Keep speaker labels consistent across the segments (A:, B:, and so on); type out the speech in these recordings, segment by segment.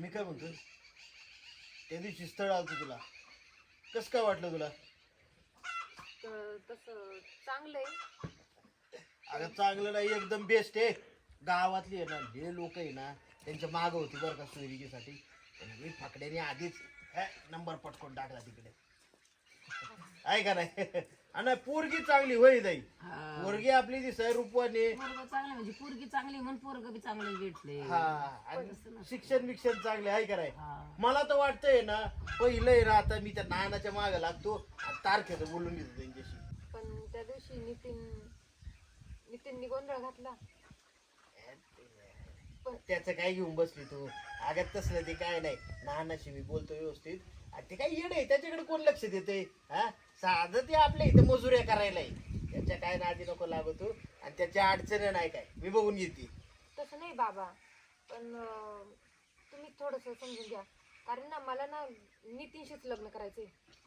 A: मी काय म्हणतो, त्या दिवशी स्थळ आलतं तुला, कसं काय वाटलं तुला?
B: तसं चांगलंय.
A: अगं चांगलं नाही, एकदम बेस्ट आहे. गावातली आहे ना, हे लोक आहे ना, त्यांच्या माग होती बरं का सोयरिकीसाठी. मी फाकड्याने आधीच नंबर पटकून टाकला तिकडे, आहे का नाही? आणि पोरगी चांगली होई जाई, पोरगी आपली ती रूपवाने
C: चांगली म्हणजे पोरगी चांगली म्हणून पोरग बी चांगले भेटले.
A: हा, आणि शिक्षण चांगले आहे का नाही? मला तर वाटतंय ना, पहिलं आहे ना, आता मी त्या नानाच्या मागे लागतो, तारखेचं बोलून घेतो त्यांच्याशी.
B: पण त्या दिवशी नितीननी गोंधळ घातला.
A: त्याचं काय घेऊन बसली तू? अगं तसलं ते काय नाही, नानाशी मी बोलतो व्यवस्थित. आणि ते काय येड आहे, त्याच्याकडे कोण लक्ष देते? हा, साधं ते आपल्या इथं मजुऱ्या करायला आहे, त्याच्या काय नादी नको लागू तू. आणि त्याच्या अडचणी नाही काय, मी बघून घेते.
B: तसं नाही बाबा, पण तुम्ही थोडस समजून घ्या. कारण ना मला ना नितीनशीच लग्न करायचंय.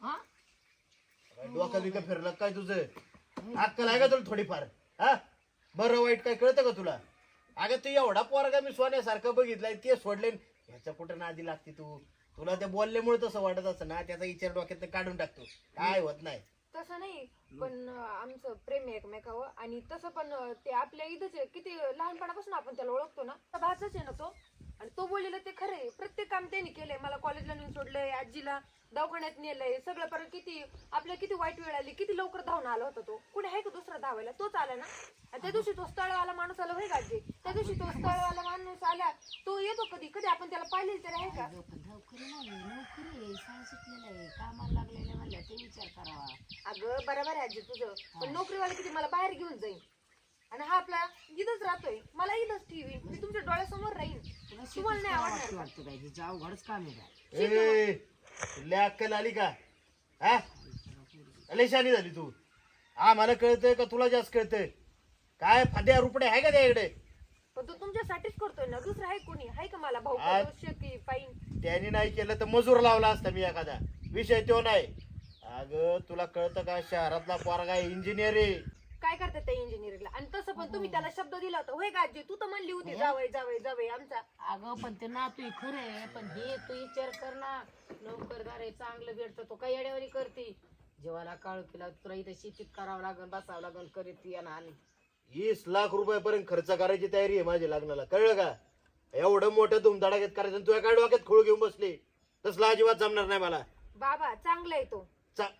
A: डोकं बिकं फिरलं काय तुझं? अक्कल आहे का तुला थोडीफार? हा, बरं वाईट काय कळतं का तुला? अगं तू एवढा पोरगा मी सोन्यासारखं बघितलाय, ते सोडले, ह्याच्या कुठं नादी लागते तू? तुला ते बोलल्यामुळे तसं वाटत असं ना, त्याचा विचार डोक्यात काढून टाकतो, काय होत नाही.
B: तसं नाही, पण आमचं प्रेम आहे एकमेकावर. आणि तसं पण ते आपल्या इथंच आहे, किती लहानपणापासून आपण त्याला ओळखतो ना, भाचाच आहे ना तो. आणि तो बोललेला ते खरंय, प्रत्येक काम त्यांनी केलंय. मला कॉलेजला नेऊन सोडलंय, आजीला दवाखान्यात नेलंय, सगळं. परत किती आपल्या किती वाईट वेळ आली, किती लवकर धावून आला होता तो. कुठे आहे का दुसरा धावायला? तोच आला ना. आणि त्या दिवशी तो स्थळवाला माणूस आला, होय गाजी, त्या दिवशी तो स्थळवाला माणूस आला, तो येतो कधी कधी आपण त्याला पाहिले तरी आहे का?
C: नोकरी सुटलेलं आहे, कामाला लागलेलं म्हणलं ते विचार करावा.
B: अगं बरोबर आहे आजी तुझं, पण नोकरीवाला किती मला बाहेर घेऊन जाईल. आणि हा आपला इथंच राहतोय, मला इथंच ठेवी, मी तुमच्या डोळ्यासमोर राहीन. तुम्हाला नाही आवडणार?
C: वाटतं काय तिचं अवघडच काम आहे.
A: तुला अक्कल आली का? हा, लय शहाणी झाली तू. हा, मला कळतंय का तुला जास्त कळतंय? काय फाद्या रुपडे आहे का त्याकडे?
B: पण तो तुमच्यासाठीच करतोय ना, दुसरं आहे कोणी? आहे का मला भाऊ शेती पाईन?
A: त्याने नाही केलं तर मजूर लावला असता मी एखादा, विषय तो नाही. अगं तुला कळतं का, शहरातला पोरगा इंजिनियर आहे.
B: काय करतात त्या इंजिनिअरिंगला? आणि तसं पण तुम्ही त्याला शब्द दिला होता, होय का आजी? तू तर म्हणली होती जावय जावय जावय आमचा.
C: अगं पण ते ना तू खरे, पण हे तू विचार कर ना, नोकरदार आहे, चांगलं भेटतं, तो काही येड्यावारी करते. जेव्हा काळू केला तुला इथे शेतीत करावं लागल, बसावं लागल, करीत येणार. आणि
A: 20 लाख रुपयापर्यंत खर्च करायची तयारी आहे माझ्या लग्नाला, कळलं का? एवढं मोठं धुमधडाक्यात करायचं, तुझ्या काय डोक्यात खोळ घेऊन बसले? तसला अजिबात जमणार नाही मला.
B: बाबा चांगला आहे तो.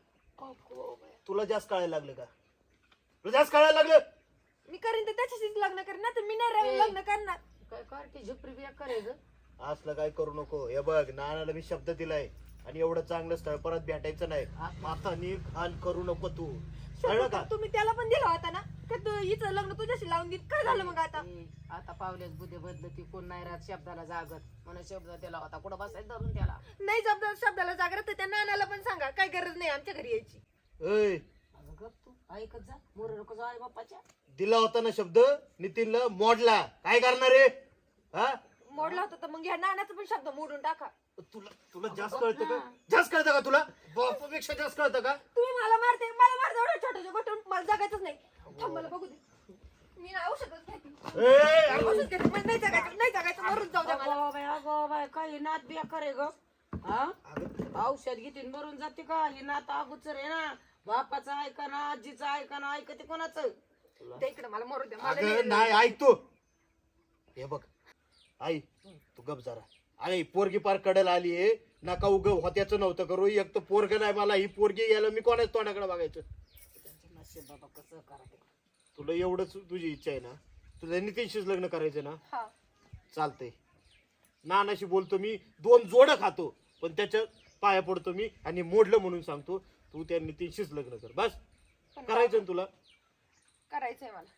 A: तुला जास्त कळायला लागलं का? तुला जास्त कळायला लागलं?
B: मी करीन तर त्याच्याशीच लग्न करीन, ना तर मी नाही लग्न करणार.
C: काय करते झुपरी बिया करायचं?
A: असलं काय करू नको. हे बघ, नानाला मी शब्द दिलाय, आणि एवढं चांगलं स्थळ परत भेटायचं नाही. आता घाण करू नको तू, कळलं का?
B: तुम्ही त्याला पण दिला होता ना, का तू हिचं लग्न तुझ्याशी लावून देत? काय झालं मग आता?
C: आता पावलेच बुद्धे बदलती, कोण नाही राहत शब्दाला जागत, म्हणून शब्द दिला होता, कुठं बसायचं धरून त्याला.
B: नाही शब्दाला जागृत तर त्या नानाला पण सांगा, काय गरज नाही आमच्या घरी यायची.
A: ऐ,
C: गप तू ऐकत जा, मोर नको जाऊ आई बाप्पाच्या.
A: दिला होता ना शब्द, नितीनला मोडला, काय करणार आहे? हा,
B: मोडला होता तर मग ह्या नानाचा पण शब्द मोडून टाका.
A: तुला जास्त कळतं का? जास्त कळतं का तुला? बापापेक्षा जास्त कळतं का?
B: तुम्ही मला मारते एवढ्या छोट्या गोष्टीवर, मला जगायचंच नाही. थांब मला बघू दे, मी ना औषधच घेते. औषध घेते, मला नाही जगायचं, मरून जाऊ द्या मला.
C: अगो बाय, काय नात बिया करे ग? हा, औषध घेते मरून जाते का? ही नात अगोचर आहे ना, बापाचं ऐका ना, आजीचं ऐका ना, ऐकते कोणाचं?
B: ते इकडे मला मरू द्या.
A: अगं नाही, ऐक तू. हे बघ आई, तू गप जरा. अरे पोरगी पार कडेला आली आहे, नका उग होत्याचं नव्हतं करू. एक तर पोरग नाही मला, ही पोरगी यायला मी कोणाच तोंडाकडे बघायचं?
C: बाबा कसं करायचं?
A: तुला एवढंच तुझी इच्छा आहे ना, तुझ्या नितीनशीच लग्न करायचं ना?
B: हा,
A: चालतंय. नानाशी बोलतो मी, 2 जोडं खातो, पण त्याच्या पाया पडतो मी, आणि मोडलं म्हणून सांगतो, तू त्या नितीनशीच लग्न कर. बस करायचं ना तुला?
B: करायचंय मला.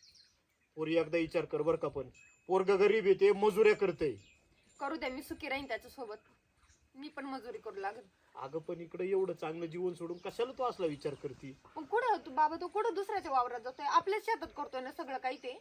A: पोरी एकदा विचार कर बर का, पण पोरग गरीब येते, मजुऱ्या करते.
B: करू द्या, मी सुखी राहीन त्याच्यासोबत, मी पण मजुरी करू लागेल.
A: अगं पण इकडे एवढं चांगलं जीवन सोडून कशाला तू असला विचार करते?
B: पण कुठं तू बाबा, तू कुठं दुसऱ्याच्या वावरात जातोय? आपल्याच शेतात करतोय ना सगळं काही. ते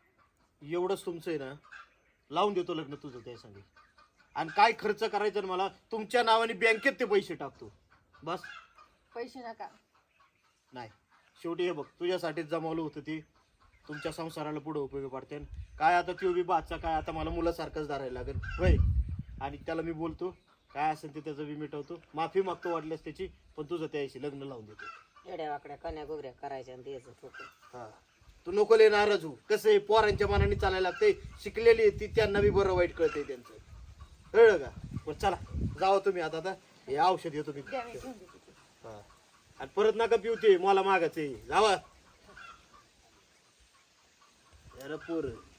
A: एवढंच तुमचं आहे ना, लावून देतो लग्न तुझं त्या सांगे. आणि काय खर्च करायचा ना मला, तुमच्या नावाने बँकेत ते पैसे टाकतो, बस.
B: पैसे नका.
A: नाही, शेवटी हे बघ, तुझ्यासाठीच जमावलं होतं ते, तुमच्या संसाराला पुढे उपयोगी पडते. काय आता ती उभी बादचा काय, आता मला मुलासारखंच धरायला लागेल होय. आणि त्याला मी बोलतो काय असेल ते त्याचं मी मिटवतो, माफी मागतो वाटल्यास त्याची, पण तुझं त्याशी लग्न लावून देतो.
C: येड्या वाकड्या कन्या गोगऱ्या करायच्या आणि द्यायचं ठोकून.
A: हा तू नको लय नाराज हो. कसं आहे पोरांच्या मनाने चालायला लागते, शिकलेली आहे ती, त्यांना बी बरं वाईट कळतंय त्यांचं, कळलं का? बरं चला जावा तुम्ही आता हे औषध येतो मी.
B: द्या, मी घेऊन देते ते.
A: हा आणि परत नका पिऊ ते, मला मागायचे जावा. अरे पोर